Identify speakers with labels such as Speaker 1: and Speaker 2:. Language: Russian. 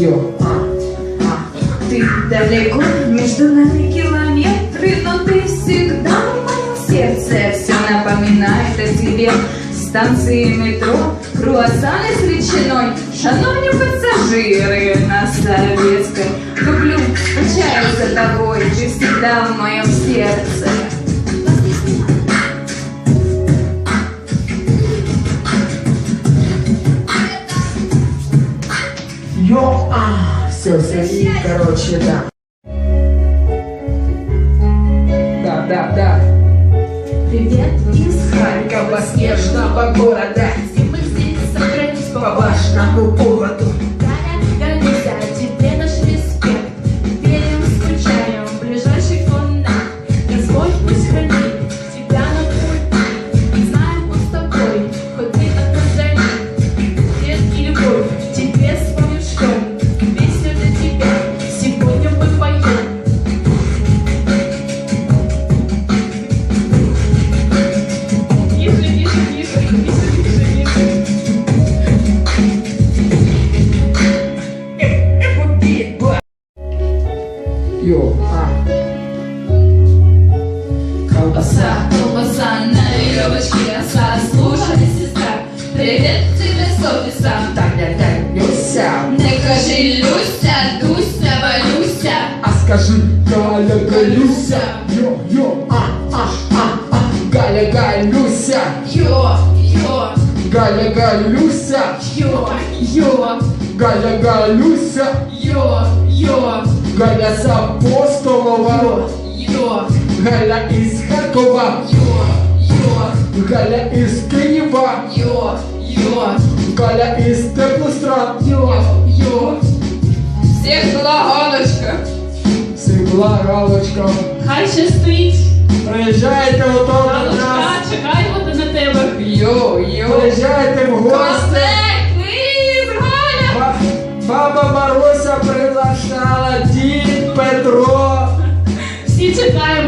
Speaker 1: Йо,
Speaker 2: Ты далеко, между нами километры, но ты всегда в моем сердце. Все напоминает о тебе. Станции метро, круассаны с ветчиной. Шановни пассажиры на Советской, люблю, скучаю за тобой, ты всегда в моем сердце.
Speaker 1: йо, все, и, короче, да. Да.
Speaker 2: Привет из
Speaker 1: Харькова, снежного города,
Speaker 2: где мы здесь собрались
Speaker 1: по важному поводу.
Speaker 2: Гордимся, тебе наш респект. Верим, скучаем в ближайших волнах. Господь пусть хранит тебя на пути. Знаем, он с тобой, хоть ты от нас дали. Свет и любовь тебе вспомним шлем. Песню для тебя сегодня мы поем.
Speaker 1: Йо,
Speaker 2: Колбаса на веревочке оса. Слушай, сестра, привет тебе с офиса.
Speaker 1: Люся,
Speaker 2: Не кажи Люся, Дуся, Валюся.
Speaker 1: а скажи Галя, Галюся. Йо, Галя, Галюся.
Speaker 2: Йо,
Speaker 1: Галя, Галюся.
Speaker 2: йо,
Speaker 1: Галя, Галюся.
Speaker 2: йо,
Speaker 1: Галя з Апостолова.
Speaker 2: йо,
Speaker 1: Галя із Харкова.
Speaker 2: йо,
Speaker 1: Галя із Києва.
Speaker 2: йо,
Speaker 1: Галя із Теплострад.
Speaker 2: йо. Всіх була галочка.
Speaker 1: Сибла галочка.
Speaker 2: Хай щастить.
Speaker 1: Приїжджайте ото до нас.
Speaker 2: Галочка, чекаємо на тебе. Йо.
Speaker 1: Приїжджайте в гості.
Speaker 2: Козек, виїзд, Галя.
Speaker 1: Баба Маруся приглашала, дід Петро.
Speaker 2: Всі чекаємо.